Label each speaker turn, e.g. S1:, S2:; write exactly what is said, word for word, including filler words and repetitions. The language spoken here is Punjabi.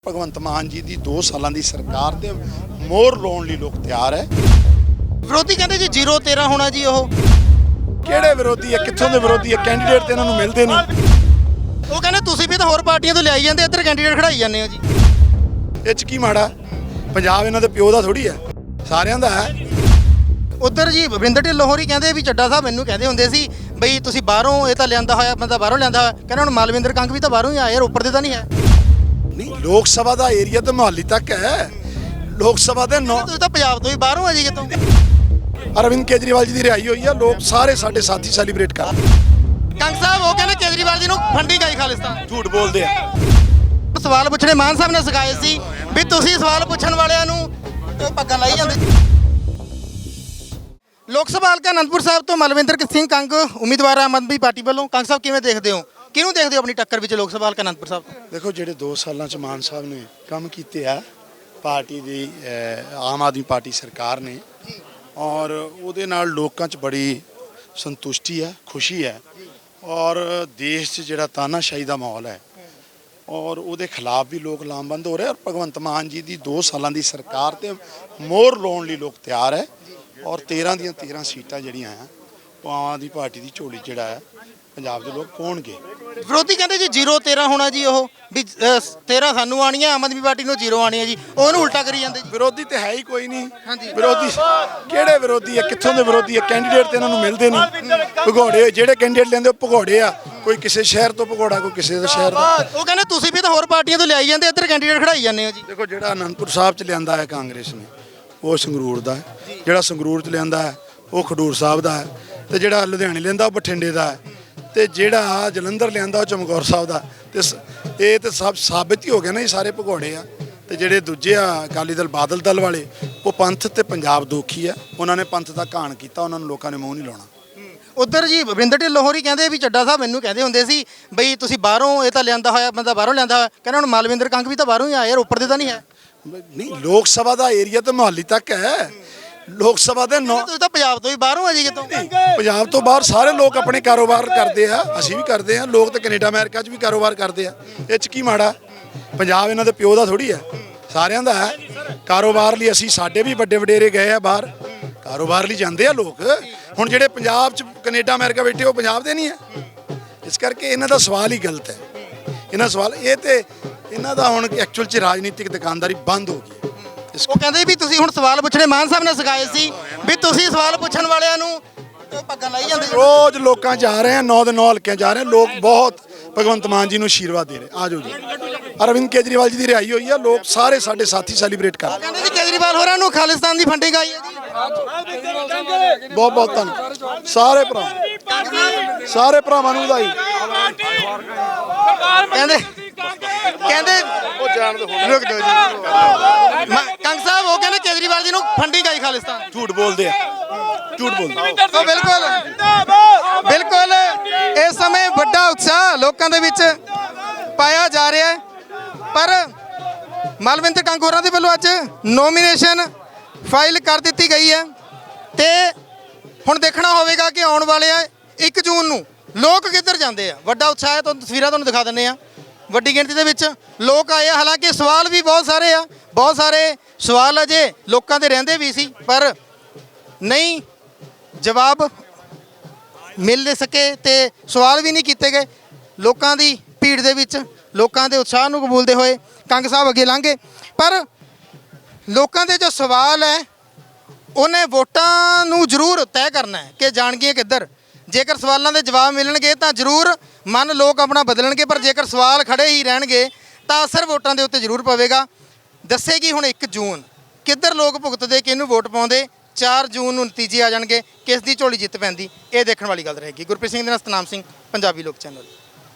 S1: ਭਗਵੰਤ ਮਾਨ जी ਦੀ दो ਸਾਲਾਂ ਦੀ ਸਰਕਾਰ ਤੇ ਮੋਹਰ ਲਾਉਣ ਲਈ ਲੋਕ ਤਿਆਰ ਹੈ।
S2: ਵਿਰੋਧੀ ਕਹਿੰਦੇ ਜੀ ਜ਼ੀਰੋ ਤੇਰਾ ਹੋਣਾ ਜੀ। ਉਹ
S1: ਕਿਹੜੇ ਵਿਰੋਧੀ ਹੈ, ਕਿੱਥੋਂ ਦੇ ਵਿਰੋਧੀ ਹੈ? ਕੈਂਡੀਡੇਟ ਤੇ ਇਹਨਾਂ ਨੂੰ ਮਿਲਦੇ ਨਹੀਂ।
S2: ਉਹ ਕਹਿੰਦੇ ਤੁਸੀਂ ਵੀ ਤਾਂ ਹੋਰ ਪਾਰਟੀਆਂ ਤੋਂ ਲਿਆਈ ਜਾਂਦੇ, ਇੱਧਰ ਕੈਂਡੀਡੇਟ ਖੜਾਈ ਜਾਂਦੇ ਹੋ ਜੀ।
S1: ਇਹ ਚ ਕੀ ਮਾੜਾ? ਪੰਜਾਬ ਇਹਨਾਂ ਦੇ ਪਿਓ ਦਾ ਥੋੜੀ ਹੈ, ਸਾਰਿਆਂ ਦਾ ਹੈ।
S2: ਉੱਧਰ ਜੀ ਵਰਿੰਦਰ ਢਿੱਲੋਂ ਹੋਰੀ ਕਹਿੰਦੇ ਵੀ ਚੱਡਾ ਸਾਹਿਬ ਮੈਨੂੰ ਕਹਿੰਦੇ ਹੁੰਦੇ ਸੀ ਬਈ ਤੁਸੀਂ ਬਾਹਰੋਂ ਇਹ ਤਾਂ ਲਿਆਂਦਾ ਹੋਇਆ ਬੰਦਾ ਬਾਹਰੋਂ ਲਿਆਂਦਾ ਹੋਇਆ। ਕਹਿੰਦਾ ਹੁਣ ਮਾਲਵਿੰਦਰ ਕੰਗ ਵੀ ਤਾਂ ਬਾਹਰੋਂ ਹੀ ਆਇਆ, ਰੋਪੜ ਦੇ ਤਾਂ ਨਹੀਂ ਹੈ।
S1: ਨਹੀਂ, ਲੋਕ ਸਭਾ ਦਾ ਏਰੀਆ ਤਾਂ ਮੁਹਾਲੀ ਤੱਕ ਹੈ। ਲੋਕ ਸਭਾ ਦੇ ਨੌ
S2: ਤੁਸੀਂ ਤਾਂ ਪੰਜਾਬ ਤੋਂ ਵੀ ਬਾਹਰੋਂ ਆ ਜੀ ਕਿਤੋਂ।
S1: ਅਰਵਿੰਦ ਕੇਜਰੀਵਾਲ ਜੀ ਦੀ ਰਿਹਾਈ ਹੋਈ ਆ, ਲੋਕ ਸਾਰੇ ਸਾਡੇ ਸਾਥੀ ਸੈਲੀਬ੍ਰੇਟ ਕਰ।
S2: ਕੰਗ ਸਾਹਿਬ ਉਹ ਕਹਿੰਦੇ ਕੇਜਰੀਵਾਲ ਜੀ ਨੂੰ ਫੰਡਿੰਗ ਆਈ ਖਾਲਿਸਤਾਨ।
S1: ਝੂਠ ਬੋਲਦੇ ਆ।
S2: ਸਵਾਲ ਪੁੱਛਣੇ ਮਾਨ ਸਾਹਿਬ ਨੇ ਸਿਖਾਏ ਸੀ ਵੀ ਤੁਸੀਂ ਸਵਾਲ ਪੁੱਛਣ ਵਾਲਿਆਂ ਨੂੰ ਉਹ ਪੱਗਾਂ ਲਾਈ ਜਾਂਦੇ। ਲੋਕ ਸਭਾ ਹਲਕਾ ਅਨੰਦਪੁਰ ਸਾਹਿਬ ਤੋਂ ਮਲਵਿੰਦਰ ਸਿੰਘ ਕੰਗ ਉਮੀਦਵਾਰ ਆਮ ਆਦਮੀ ਪਾਰਟੀ ਵੱਲੋਂ। ਕੰਗ ਸਾਹਿਬ ਕਿਵੇਂ ਦੇਖਦੇ ਹੋ, ਕਿਹਨੂੰ ਦੇਖਦੇ ਹੋ ਆਪਣੀ ਟੱਕਰ ਵਿੱਚ ਲੋਕ ਸਭਾ ਹਲਕਾ ਅਨੰਦਪੁਰ ਸਾਹਿਬ ਤੋਂ?
S1: ਦੇਖੋ, ਜਿਹੜੇ ਦੋ ਸਾਲਾਂ ਚ ਮਾਨ ਸਾਹਿਬ ਨੇ ਕੰਮ ਕੀਤੇ ਆ ਪਾਰਟੀ ਦੀ, ਆਮ ਆਦਮੀ ਪਾਰਟੀ ਸਰਕਾਰ ਨੇ, ਔਰ ਉਹਦੇ ਨਾਲ ਲੋਕਾਂ 'ਚ ਬੜੀ ਸੰਤੁਸ਼ਟੀ ਹੈ, ਖੁਸ਼ੀ ਹੈ। ਔਰ ਦੇਸ਼ 'ਚ ਜਿਹੜਾ ਤਾਨਾਸ਼ਾਹੀ ਦਾ ਮਾਹੌਲ ਹੈ ਔਰ ਉਹਦੇ ਖਿਲਾਫ ਵੀ ਲੋਕ ਲਾਮਬੰਦ ਹੋ ਰਹੇ। ਔਰ ਭਗਵੰਤ ਮਾਨ ਜੀ ਦੀ ਦੋ ਸਾਲਾਂ ਦੀ ਸਰਕਾਰ ਤੇ ਮੋਹਰ ਲਾਉਣ ਲਈ ਲੋਕ ਤਿਆਰ ਹੈ। ਔਰ ਤੇਰਾਂ ਦੀਆਂ ਤੇਰਾਂ ਸੀਟਾਂ ਜਿਹੜੀਆਂ ਆ ਉਹ ਆਮ ਆਦਮੀ ਪਾਰਟੀ ਦੀ ਝੋਲੀ ਜਿਹੜਾ ਹੈ ਪੰਜਾਬ ਦੇ ਲੋਕ ਪਾਉਣਗੇ।
S2: ਵਿਰੋਧੀ ਕਹਿੰਦੇ ਜੀ ਜ਼ੀਰੋ ਤੇਰਾ ਹੋਣਾ ਜੀ। ਉਹ ਵੀ ਤੇਰਾਂ ਸਾਨੂੰ ਆਣੀਆਂ, ਆਮ ਆਦਮੀ ਪਾਰਟੀ ਨੂੰ ਜ਼ੀਰੋ ਆਣੀ ਹੈ ਜੀ। ਉਹਨੂੰ ਉਲਟਾ ਕਰੀ ਜਾਂਦੇ ਜੀ।
S1: ਵਿਰੋਧੀ ਤੇ ਹੈ ਹੀ ਕੋਈ ਨਹੀਂ।
S2: ਹਾਂਜੀ।
S1: ਵਿਰੋਧੀ ਕਿਹੜੇ ਵਿਰੋਧੀ ਹੈ, ਕਿੱਥੋਂ ਦੇ ਵਿਰੋਧੀ ਹੈ? ਕੈਂਡੀਡੇਟ ਤੇ ਇਹਨਾਂ ਨੂੰ ਮਿਲਦੇ ਨਹੀਂ। ਭਗੌੜੇ ਜਿਹੜੇ ਕੈਂਡੀਡੇਟ ਲੈਂਦੇ ਉਹ ਭਗੌੜੇ ਆ। ਕੋਈ ਕਿਸੇ ਸ਼ਹਿਰ ਤੋਂ ਭਗੌੜਾ, ਕੋਈ ਕਿਸੇ ਦੇ ਸ਼ਹਿਰ ਦਾ।
S2: ਉਹ ਕਹਿੰਦੇ ਤੁਸੀਂ ਵੀ ਤਾਂ ਹੋਰ ਪਾਰਟੀਆਂ ਤੋਂ ਲਿਆਈ ਜਾਂਦੇ, ਇੱਧਰ ਕੈਂਡੀਡੇਟ ਖੜਾਈ ਜਾਂਦੇ ਹੋ ਜੀ।
S1: ਦੇਖੋ, ਜਿਹੜਾ ਅਨੰਦਪੁਰ ਸਾਹਿਬ ਚ ਲਿਆਂਦਾ ਹੈ ਕਾਂਗਰਸ ਨੇ ਉਹ ਸੰਗਰੂਰ ਦਾ ਹੈ, ਜਿਹੜਾ ਸੰਗਰੂਰ ਚ ਲਿਆਂਦਾ ਹੈ ਉਹ ਖਡੂਰ ਸਾਹਿਬ ਦਾ ਹੈ, ਤੇ ਜਿਹੜਾ ਲੁਧਿਆਣੇ ਲਿਆਂਦਾ ਉਹ ਬਠਿੰਡੇ ਦਾ ਹੈ, ਤੇ ਜਿਹੜਾ ਜਲੰਧਰ ਲਿਆਂਦਾ ਉਹ ਚਮਕੌਰ ਸਾਹਿਬ ਦਾ। ਤੇ ਇਹ ਤੇ ਸਭ ਸਾਬਿਤ ਹੀ ਹੋ ਗਿਆ ਨਾ, ਇਹ ਸਾਰੇ ਭਗੌੜੇ ਆ। ਤੇ ਜਿਹੜੇ ਦੂਜੇ ਆ ਅਕਾਲੀ ਦਲ, ਬਾਦਲ ਦਲ ਵਾਲੇ, ਉਹ ਪੰਥ ਤੇ ਪੰਜਾਬ ਦੋਖੀ ਆ। ਉਹਨਾਂ ਨੇ ਪੰਥ ਦਾ ਘਾਣ ਕੀਤਾ, ਉਹਨਾਂ ਨੂੰ ਲੋਕਾਂ ਨੇ ਮੂੰਹ ਨਹੀਂ ਲਾਉਣਾ।
S2: ਉੱਧਰ ਜੀ ਵਰਿੰਦਰ ਢਿੱਲੋਂ ਹੋਰੀ ਕਹਿੰਦੇ ਵੀ ਚੱਡਾ ਸਾਹਿਬ ਮੈਨੂੰ ਕਹਿੰਦੇ ਹੁੰਦੇ ਸੀ ਬਈ ਤੁਸੀਂ ਬਾਹਰੋਂ ਇਹ ਤਾਂ ਲਿਆਂਦਾ ਹੋਇਆ ਬੰਦਾ ਬਾਹਰੋਂ ਲਿਆਂਦਾ ਹੋਇਆ। ਕਹਿੰਦਾ ਹੁਣ ਮਾਲਵਿੰਦਰ ਕੰਗ ਵੀ ਤਾਂ ਬਾਹਰੋਂ ਹੀ ਆਇਆ, ਰੋਪੜ ਦੇ ਤਾਂ ਨਹੀਂ ਹੈ।
S1: ਨਹੀਂ, ਲੋਕ ਸਭਾ ਦਾ ਏਰੀਆ ਤਾਂ ਮੁਹਾਲੀ ਤੱਕ ਹੈ। ਲੋਕ ਸਭਾ ਦੇ ਨੌ
S2: ਤੁਸੀਂ ਤਾਂ ਪੰਜਾਬ ਤੋਂ ਵੀ ਬਾਹਰੋਂ ਆ ਜੀ ਕਿਤੋਂ।
S1: ਪੰਜਾਬ ਤੋਂ ਬਾਹਰ ਸਾਰੇ ਲੋਕ ਆਪਣੇ ਕਾਰੋਬਾਰ ਕਰਦੇ ਆ, ਅਸੀਂ ਵੀ ਕਰਦੇ ਆ। ਲੋਕ ਤਾਂ ਕੈਨੇਡਾ ਅਮਰੀਕਾ 'ਚ ਵੀ ਕਾਰੋਬਾਰ ਕਰਦੇ ਆ। ਇਹ 'ਚ ਕੀ ਮਾੜਾ? ਪੰਜਾਬ ਇਹਨਾਂ ਦੇ ਪਿਓ ਦਾ ਥੋੜੀ ਹੈ, ਸਾਰਿਆਂ ਦਾ ਹੈ। ਕਾਰੋਬਾਰ ਲਈ ਅਸੀਂ, ਸਾਡੇ ਵੀ ਵੱਡੇ ਵਡੇਰੇ ਗਏ ਆ ਬਾਹਰ, ਕਾਰੋਬਾਰ ਲਈ ਜਾਂਦੇ ਆ ਲੋਕ। ਹੁਣ ਜਿਹੜੇ ਪੰਜਾਬ 'ਚ ਕੈਨੇਡਾ ਅਮਰੀਕਾ ਬੈਠੇ ਉਹ ਪੰਜਾਬ ਦੇ ਨਹੀਂ ਹੈ। ਇਸ ਕਰਕੇ ਇਹਨਾਂ ਦਾ ਸਵਾਲ ਹੀ ਗਲਤ ਹੈ। ਇਹਨਾਂ ਸਵਾਲ ਇਹ ਤੇ ਇਹਨਾਂ ਦਾ ਹੁਣ ਐਕਚੁਅਲ 'ਚ ਰਾਜਨੀਤਿਕ ਦੁਕਾਨਦਾਰੀ ਬੰਦ ਹੋ ਗਈ।
S2: ਉਹ ਕਹਿੰਦੇ ਵੀ ਤੁਸੀਂ ਹੁਣ ਸਵਾਲ ਪੁੱਛਣੇ ਮਾਨ ਸਾਹਿਬ ਨੇ ਸਿਖਾਏ ਸੀ ਵੀ ਤੁਸੀਂ ਸਵਾਲ ਪੁੱਛਣ ਵਾਲਿਆਂ ਨੂੰ ਉਹ ਪੱਗਾਂ ਲਾਈ ਜਾਂਦੇ।
S1: ਰੋਜ਼ ਲੋਕਾਂ ਜਾ ਰਹੇ ਆ, ਨੌ ਦੇ ਨੌ ਹਲਕਿਆਂ ਜਾ ਰਹੇ ਆ। ਲੋਕ ਬਹੁਤ ਭਗਵੰਤ ਮਾਨ ਜੀ ਨੂੰ ਆਸ਼ੀਰਵਾਦ ਦੇ ਰਹੇ। ਆ ਜਾਓ ਜੀ। ਅਰਵਿੰਦ ਕੇਜਰੀਵਾਲ ਜੀ ਦੀ ਰਿਹਾਈ ਹੋਈ ਆ, ਲੋਕ ਸਾਰੇ ਸਾਡੇ ਸਾਥੀ ਸੈਲੀਬ੍ਰੇਟ ਕਰ ਰਹੇ।
S2: ਕਹਿੰਦੇ ਜੀ ਕੇਜਰੀਵਾਲ ਹੋਰਾਂ ਨੂੰ ਖਾਲਿਸਤਾਨ ਦੀ ਫੰਡਿੰਗ ਆਈ ਹੈ ਜੀ।
S1: ਬਹੁਤ ਬਹੁਤ ਧੰਨਵਾਦ ਸਾਰੇ ਭਰਾ, ਸਾਰੇ ਭਰਾਵਾਂ ਨੂੰ ਵਧਾਈ।
S2: ਕਹਿੰਦੇ ਕਹਿੰਦੇ
S1: ਉਹ ਜਾਣ ਦੋ,
S2: ਰੁਕ ਜਾਓ ਜੀ। ਕੰਗ ਸਾਹਿਬ ਉਹ ਕਹਿੰਦੇ ਕੇਜਰੀਵਾਲ ਜੀ ਨੂੰ ਫੰਡਿੰਗ ਆਈ ਖਾਲਿਸਤਾਨ।
S1: ਝੂਠ ਬੋਲਦੇ ਆ, ਝੂਠ ਬੋਲਦੇ।
S2: ਉਹ ਬਿਲਕੁਲ ਬਿਲਕੁਲ ਇਸ ਸਮੇਂ ਵੱਡਾ ਉਤਸ਼ਾਹ ਲੋਕਾਂ ਦੇ ਵਿੱਚ ਪਾਇਆ ਜਾ ਰਿਹਾ ਹੈ। ਪਰ ਮਲਵਿੰਦਰ ਕੰਗ ਹੋਰਾਂ ਦੇ ਵੱਲੋਂ ਅੱਜ ਨੋਮੀਨੇਸ਼ਨ ਫਾਈਲ ਕਰ ਦਿੱਤੀ ਗਈ ਹੈ ਤੇ ਹੁਣ ਦੇਖਣਾ ਹੋਵੇਗਾ ਕਿ ਆਉਣ ਵਾਲੇ ਇੱਕ ਜੂਨ ਨੂੰ ਲੋਕ ਕਿੱਧਰ ਜਾਂਦੇ ਆ। ਵੱਡਾ ਉਤਸ਼ਾਹ ਹੈ, ਤੁਹਾਨੂੰ ਤਸਵੀਰਾਂ ਤੁਹਾਨੂੰ ਦਿਖਾ ਦਿੰਦੇ ਆ। ਵੱਡੀ ਗਿਣਤੀ ਦੇ ਵਿੱਚ ਲੋਕ ਆਏ ਆ। ਹਾਲਾਂਕਿ ਸਵਾਲ ਵੀ ਬਹੁਤ ਸਾਰੇ ਆ, ਬਹੁਤ ਸਾਰੇ ਸਵਾਲ ਅਜੇ ਲੋਕਾਂ ਦੇ ਰਹਿੰਦੇ ਵੀ ਸੀ, ਪਰ ਨਹੀਂ ਜਵਾਬ ਮਿਲ ਨਹੀਂ ਸਕੇ ਤੇ ਸਵਾਲ ਵੀ ਨਹੀਂ ਕੀਤੇ ਗਏ। ਲੋਕਾਂ ਦੀ ਭੀੜ ਦੇ ਵਿੱਚ ਲੋਕਾਂ ਦੇ ਉਤਸ਼ਾਹ ਨੂੰ ਕਬੂਲਦੇ ਹੋਏ ਕੰਗ ਸਾਹਿਬ ਅੱਗੇ ਲੰਘੇ। ਪਰ ਲੋਕਾਂ ਦੇ ਜੋ ਸਵਾਲ ਹੈ ਉਹਨੇ ਵੋਟਾਂ ਨੂੰ ਜ਼ਰੂਰ ਤੈਅ ਕਰਨਾ ਹੈ ਕਿ ਜਾਣਗੀਆਂ ਕਿੱਧਰ। ਜੇਕਰ ਸਵਾਲਾਂ ਦੇ ਜਵਾਬ ਮਿਲਣਗੇ ਤਾਂ ਜ਼ਰੂਰ ਮਨ ਲੋਕ ਆਪਣਾ ਬਦਲਣਗੇ, ਪਰ ਜੇਕਰ ਸਵਾਲ ਖੜੇ ਹੀ ਰਹਿਣਗੇ ਤਾਂ ਅਸਰ ਵੋਟਾਂ ਦੇ ਉੱਤੇ ਜ਼ਰੂਰ ਪਵੇਗਾ। ਦੱਸੇਗੀ ਹੁਣ ਇੱਕ ਜੂਨ ਕਿੱਧਰ ਲੋਕ ਭੁਗਤਦੇ, ਕਿਹਨੂੰ ਵੋਟ ਪਾਉਂਦੇ। ਚਾਰ ਜੂਨ ਨੂੰ ਨਤੀਜੇ ਆ ਜਾਣਗੇ, ਕਿਸ ਦੀ ਝੋਲੀ ਜਿੱਤ ਪੈਂਦੀ, ਇਹ ਦੇਖਣ ਵਾਲੀ ਗੱਲ ਰਹੇਗੀ। ਗੁਰਪ੍ਰੀਤ ਸਿੰਘ ਦੇ ਨਾਲ ਸਤਨਾਮ ਸਿੰਘ, ਪੰਜਾਬੀ ਲੋਕ ਚੈਨਲ।